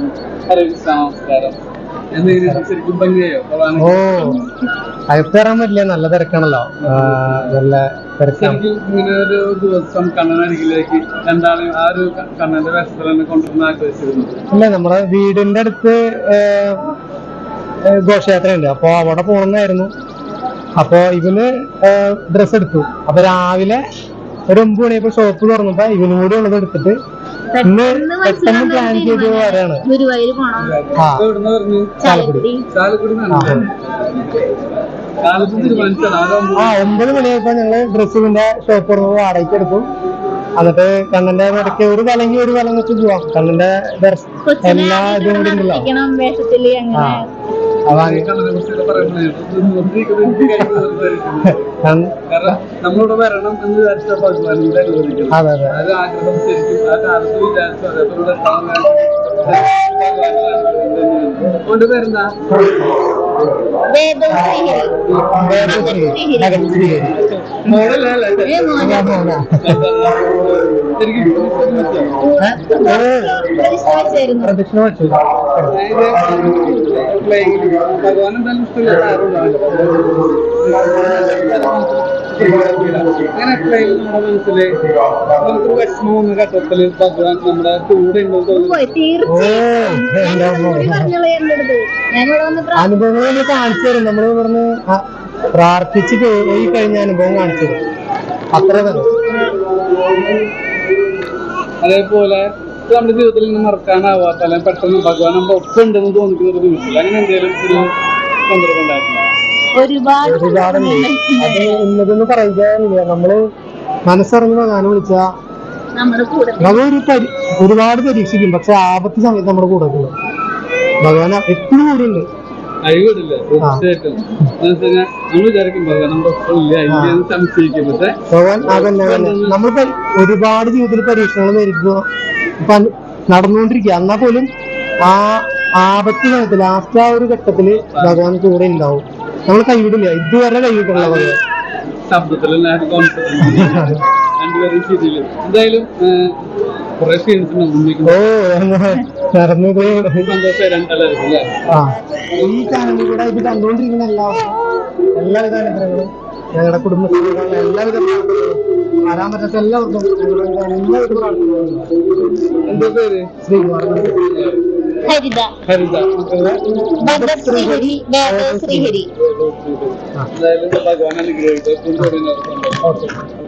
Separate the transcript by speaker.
Speaker 1: നമസ്കാരം. ശരിക്കും ഭംഗിയായോ?
Speaker 2: ഓ, അകത്ത് കയറാൻ പറ്റില്ല, നല്ല തിരക്കാണല്ലോ. നല്ല തിരക്കാണ്.
Speaker 1: ഇങ്ങനെ ഒരു ദിവസം കണ്ണനരികിലേക്ക് എന്താണ് ആ ഒരു കണ്ണന്റെ വേഷത്തിൽ തന്നെ കൊണ്ടുവന്ന് ആഗ്രഹിച്ചിരുന്നത്?
Speaker 2: അല്ല, നമ്മുടെ വീടിന്റെ അടുത്ത് ഘോഷയാത്രയുണ്ട്, അപ്പൊ അവിടെ പോകണമെന്നായിരുന്നു. അപ്പൊ ഇവന് ഡ്രസ്സ് എടുത്തു. അപ്പൊ രാവിലെ ഒരു 9 മണിയപ്പോ ഷോപ്പ് തുറന്നപ്പോ ഇവനും കൂടി ഉള്ളത് എടുത്തിട്ട് ഇന്ന് പെട്ടെന്ന് പ്ലാൻ ചെയ്ത് വരാണ്. ചാലക്കുടി. 9 മണിയായപ്പോ ഞങ്ങള് ഡ്രസ്സിന്റെ ഷോപ്പ് തുറന്ന് വാടകയ്ക്ക് എടുത്തു. എന്നിട്ട് കണ്ണന്റെ ഇടയ്ക്ക് ഒരു വലങ്ങി ഒരു വലം വെച്ച് പോവാം. കണ്ണന്റെ എല്ലാ ഇതും കൂടി ഉണ്ടല്ലോ.
Speaker 1: നമ്മളിവിടെ വരണം എന്ന് വിചാരിച്ച ഭഗവാനിന്റെ അനുവദിക്കും. അത് ആഗ്രഹം ശരിക്കും ആ കാലത്ത് വിചാരിച്ചു. അതേപോലെ കൊണ്ട് വരുന്ന
Speaker 2: പ്രദക്ഷിണ വെച്ചു.
Speaker 1: ഭഗവാൻ എന്തായാലും അങ്ങനെ എപ്പോഴെങ്കിലും നമ്മുടെ മനസ്സില് നമുക്കൊരു വിഷമം വന്ന ഘട്ടത്തില് ഭഗവാൻ നമ്മുടെ കൂടെ
Speaker 2: അനുഭവങ്ങൾ നമ്മൾ കാണിച്ചു തരും. നമ്മൾ ഇവിടുന്ന് പ്രാർത്ഥിച്ച് പോയി കഴിഞ്ഞ അനുഭവം കാണിച്ചു തരും. അത്ര തന്നെ.
Speaker 1: അതേപോലെ നമ്മുടെ ജീവിതത്തിൽ നിന്ന് മറക്കാനാവാത്ത അല്ലെങ്കിൽ പെട്ടെന്ന് ഭഗവാൻ നമ്മുടെ ഒപ്പം ഉണ്ടെന്ന് തോന്നിക്കുന്ന ഒരു നിമിഷം അങ്ങനെ എന്തെങ്കിലും ഒരു സന്ദർഭം ഉണ്ടായിട്ടില്ല?
Speaker 2: ഒരുപാടുണ്ട്. അത് ഇന്നതൊന്നും പറയാനില്ല. നമ്മള് മനസ്സറിഞ്ഞ് ഭഗവാനെ വിളിച്ചാ നമ്മളൊരു ഒരുപാട് പരീക്ഷിക്കും, പക്ഷെ ആപത്ത് സമയത്ത് നമ്മുടെ കൂടെ ഉണ്ട്. ഭഗവാൻ എപ്പോഴും കൂടെ ഉണ്ട്. ഭഗവാൻ അതന്നെ നമ്മളിപ്പോ ഒരുപാട് ജീവിതത്തിൽ പരീക്ഷണങ്ങൾ നേരിടുന്നു നടന്നുകൊണ്ടിരിക്കുക. എന്നാൽ പോലും ആ ആപത്ത് സമയത്ത് ലാസ്റ്റ് ആ ഒരു ഘട്ടത്തില് ഭഗവാൻ കൂടെ ഉണ്ടാവും. നമ്മൾ കൈവിടില്ല, ഇതുവരെ കൈവിട്ടുള്ള ഭഗവാൻ.
Speaker 1: എന്തായാലും
Speaker 2: ഈ ചാനലിൽ കൂടെ ഇത് കണ്ടുകൊണ്ടിരിക്കുന്ന എല്ലാവിധ അനുഗ്രഹങ്ങളും ഞങ്ങളുടെ കുടുംബത്തിലുള്ള എല്ലാവിധ വരാൻ പറ്റാത്ത എല്ലാവർക്കും എല്ലാവിധ പ്രാർത്ഥനകളും.
Speaker 1: എന്താ പേര്?
Speaker 3: ഹരിത.
Speaker 1: എന്തായാലും ഭഗവാൻ അനുഗ്രഹിക്കും.